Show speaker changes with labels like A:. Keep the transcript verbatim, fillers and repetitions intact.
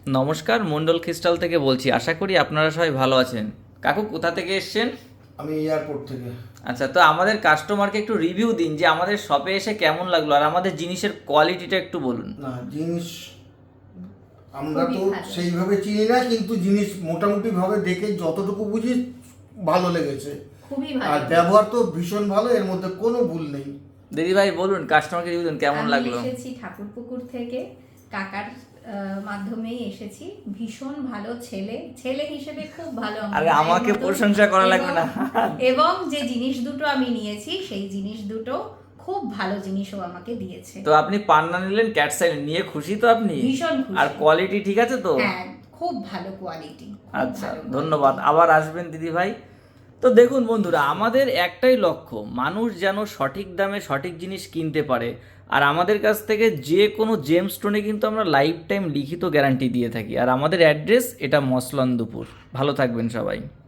A: নমস্কার, মন্ডল ক্রিস্টাল থেকে বলছি। আশা করি আপনারা সবাই ভালো আছেন। কাকু কোথা থেকে এসছেন?
B: আমি এয়ারপোর্ট থেকে।
A: আচ্ছা, তো আমাদের কাস্টমারকে একটু রিভিউ দিন যে আমাদের শপে এসে কেমন লাগলো, আর আমাদের জিনিসের কোয়ালিটিটা একটু বলুন।
B: না, জিনিস আমরা
C: খুবই
B: তো
C: ভালো।
B: সেইভাবে চিনি না, কিন্তু জিনিস মোটামুটি ভাবে দেখে যতটুকু বুঝি ভালো লেগেছে।
C: খুবই
B: আর
C: ভালো।
B: ব্যবহার তো ভীষণ ভালো, এর মধ্যে কোনো ভুল নেই।
A: দিদি ভাই বলুন, কাস্টমারকে রিভিউ দিন কেমন
C: আমি
A: লাগলো।
C: এসেছি ঠাকুরপুকুর থেকে, কাকার আহ, মাধ্যমেই এসেছি। ভীষণ ভালো ছেলে, ছেলে হিসেবে খুব ভালো আমার
A: আরে
C: মায়ের
A: আমাকে
C: মতো।
A: প্রশংসা করা লাগবে
C: এবং-
A: না।
C: এবং যে জিনিস দুটো আমি নিয়েছি সেই জিনিস দুটো খুব ভালো জিনিসও আমাকে দিয়েছে।
A: তো আপনি পান্না নিলেন, ক্যাট সাইড নিয়ে খুশি তো আপনি?
C: ভীষণ খুশি।
A: আর কোয়ালিটি ঠিক আছে তো?
C: হ্যাঁ, খুব ভালো কোয়ালিটি।
A: আচ্ছা, ধন্যবাদ। আবার আসবেন দিদি ভাই। তো দেখুন বন্ধুরা, আমাদের একটাই লক্ষ্য, মানুষ যেন সঠিক দামে সঠিক জিনিস কিনতে পারে। আর আমাদের কাছ থেকে যে কোনো জেম স্টোনে কিন্তু আমরা লাইফ টাইম লিখিত গ্যারান্টি দিয়ে থাকি। আর আমাদের অ্যাড্রেস এটা মসলন্দপুর। ভালো থাকবেন সবাই।